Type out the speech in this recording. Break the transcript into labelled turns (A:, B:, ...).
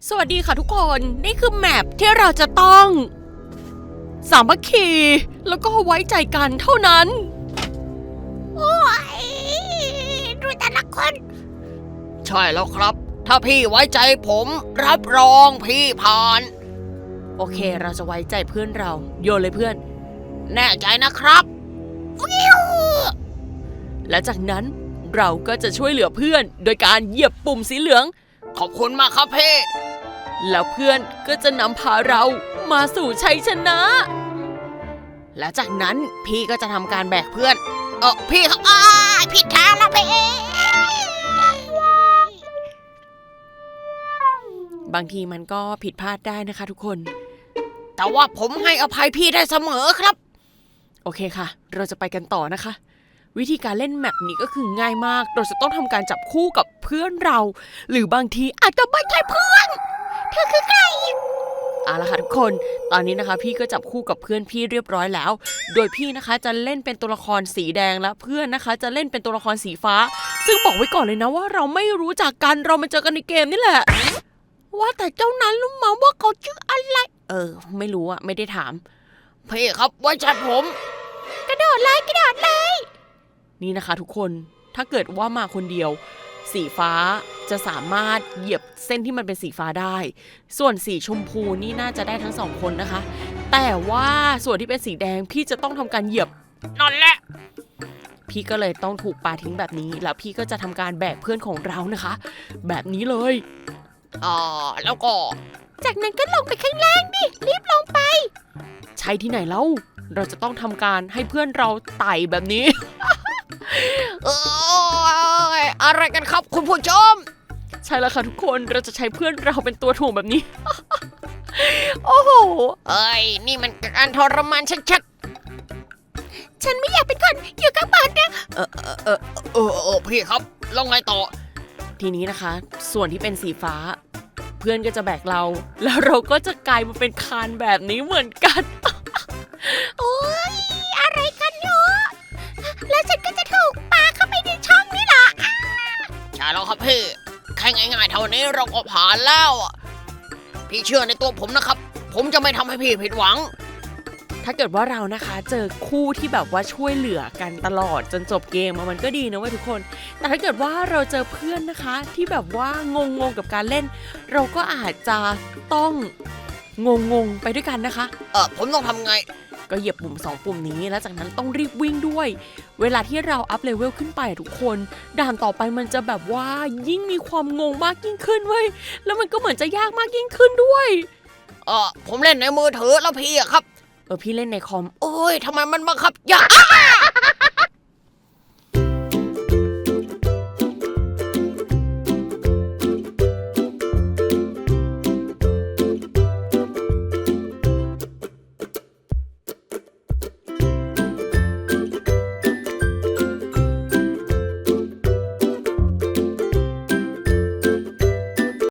A: สวัสดีค่ะทุกคนนี่คือแมปที่เราจะต้องสามัคคีแล้วก็ไว้ใจกันเท่านั้น
B: โอ้ยดูแต่ละคน
A: ใช่แล้วครับถ้าพี่ไว้ใจผมรับรองพี่ผ่านโอเคเราจะไว้ใจเพื่อนเราโยนเลยเพื่อนแน่ใจนะครับวิวและจากนั้นเราก็จะช่วยเหลือเพื่อนโดยการเหยียบปุ่มสีเหลืองขอบคุณมากครับพี่แล้วเพื่อนก็จะนำพาเรามาสู่ชัยชนะและจากนั้นพี่ก็จะทำการแบกเพื่อนพี่ครับ
B: ผิดทางแล้วพี่
A: บางทีมันก็ผิดพลาดได้นะคะทุกคนแต่ว่าผมให้อภัยพี่ได้เสมอครับโอเคค่ะเราจะไปกันต่อนะคะวิธีการเล่นแมปนี้ก็คือง่ายมากเราจะต้องทำการจับคู่กับเพื่อนเราหรือบางทีอาจจะไม่ใช่เพื่อนเธอคือใครเอาละค่ะทุกคนตอนนี้นะคะพี่ก็จับคู่กับเพื่อนพี่เรียบร้อยแล้วโดยพี่นะคะจะเล่นเป็นตัวละครสีแดงและเพื่อนนะคะจะเล่นเป็นตัวละครสีฟ้าซึ่งบอกไว้ก่อนเลยนะว่าเราไม่รู้จักกันเรามาเจอกันในเกมนี่แหละว่าแต่เจ้านั้นรู้มาว่าเขาชื่ออะไรไม่รู้อะไม่ได้ถามพี่ครับไว้ใจผม
B: กระโดดเลย
A: นี่นะคะทุกคนถ้าเกิดว่ามาคนเดียวสีฟ้าจะสามารถเหยียบเส้นที่มันเป็นสีฟ้าได้ส่วนสีชมพูนี่น่าจะได้ทั้งสองคนนะคะแต่ว่าส่วนที่เป็นสีแดงพี่จะต้องทำการเหยียบนั่นแหละพี่ก็เลยต้องถูกปาทิ้งแบบนี้แล้วพี่ก็จะทำการแบกเพื่อนของเรานะคะแบบนี้เลยแล้วก็
B: จากนั้นก็ลงไปข้างล่างดิรีบลงไป
A: ใช่ที่ไหนเล่าเราจะต้องทำการให้เพื่อนเราไต่แบบนี้ อะไรกันครับคุณผู้ชมใช่แล้วค่ะทุกคนเราจะใช้เพื่อนเราเป็นตัวถ่วงแบบนี้ โอ้โห
B: นี่มันการทรมานชัดๆฉันไม่อยากเป็นคนอยู่ข้างบนนะ
A: พี่ครับลองไงต่อทีนี้นะคะส่วนที่เป็นสีฟ้าเพื่อนก็จะแบกเราแล้วเราก็จะกลายมาเป็นคานแบบนี้เหมือนกัน
B: โอ้ยอะไรกันเนาะแล้วฉันก็จะถูกปาเข้าไปในช่องนี่แหละ
A: ใช่แล้วครับพี่แค่ง่ายๆเท่านี้เราก็ผ่านแล้วพี่เชื่อในตัวผมนะครับผมจะไม่ทำให้พี่ผิดหวังถ้าเกิดว่าเรานะคะเจอคู่ที่แบบว่าช่วยเหลือกันตลอดจนจบเกมมันก็ดีนะเว้ยทุกคนแต่ถ้าเกิดว่าเราเจอเพื่อนนะคะที่แบบว่างงกับการเล่นเราก็อาจจะต้องงงไปด้วยกันนะคะผมต้องทำไงก็เหยียบปุ่ม2ปุ่มนี้แล้วจากนั้นต้องรีบวิ่งด้วยเวลาที่เราอัพเลเวลขึ้นไปทุกคนด่านต่อไปมันจะแบบว่ายิ่งมีความงงมากยิ่งขึ้นเว้ยแล้วมันก็เหมือนจะยากมากยิ่งขึ้นด้วยผมเล่นในมือถือแล้วพี่อะครับพี่เล่นในคอมโอ้ยทำไมมันบังคับยาก